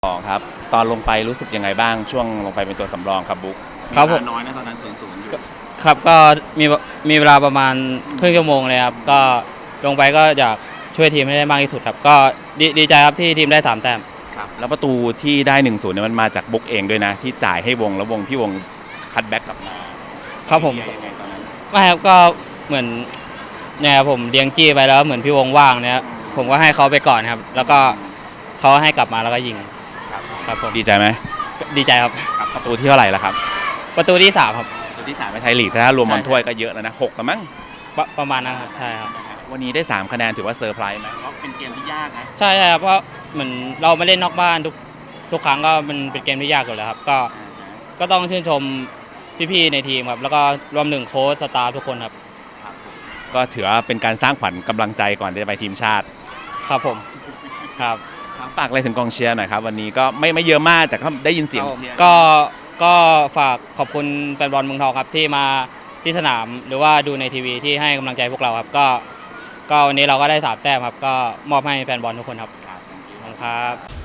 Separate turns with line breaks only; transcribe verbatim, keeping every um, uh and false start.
สองครับตอนลงไปรู้สึกยังไงบ้างช่วงลงไปเป็นตัวสำรองครับบุ๊ก
ครับผม
น้อยนะตอนนั้นศูนย์ศูนย์อยู่
ครับก็มีมีเวลาประมาณครึ่งชั่วโมงเลยครับก็ลงไปก็อยากช่วยทีมให้ได้มากที่สุดครับก็ดีดีใจครับที่ทีมได้สามแต้ม
ครับแล้วประตูที่ได้หนึ่งศูนย์เนี่ยมันมาจากบุ๊กเองด้วยนะที่จ่ายให้วงแล้ววงพี่วงคัตแบ็กกลับมา
ครับผม
ยังไงตอนนั้น
ไม่ครับก็เหมือนเนี่ยผมเลี้ยงจี้ไปแล้วเหมือนพี่วงว่างเนี่ยผมก็ให้เขาไปก่อนครับแล้วก็เขาให้กลับมาแล้วก็ยิง
ครับ
ครับผม
ดีใจไหม
ดีใจครับ
ครับประตูที่เท่าไหร่ละครับ
ประตูที่สามครับ
ประตูที่สามในไทยลีกถ้ารวมบอลถ้วยก็เยอะแล้วนะหกแล้วมั้ง
ประประมาณนั้นครับใช่ครับ
วันนี้ได้สามคะแนนถือว่าเซอร์ไพรส์ไหมเพราะเป็นเกมที่ยากนะ
ใช่ใช่ครับเพราะเหมือนเราไม่เล่นนอกบ้านทุกทุกครั้งก็มันเป็นเกมที่ยากอยู่แล้วครับก็ก็ต้องชื่นชมพี่ๆในทีมครับแล้วก็รวมถึงโค้ชสตาฟทุกคนครับ
ก็ถือว่าเป็นการสร้างขวัญกำลังใจก่อนที่จะไปทีมชาติ
ครับผมครับ
ฝากอะไรถึงกองเชียร์หน่อยครับวันนี้ก็ไม่ไม่เยอะมากแต่ก็ได้ยินเสียงเชียร์
ก็ก็ฝากขอบคุณแฟนบอลเมืองทองครับที่มาที่สนามหรือว่าดูในทีวีที่ให้กำลังใจพวกเราครับก็ก็วันนี้เราก็ได้สามแต้มครับก็มอบให้แฟนบอลทุกคนครับขอบคุณครับ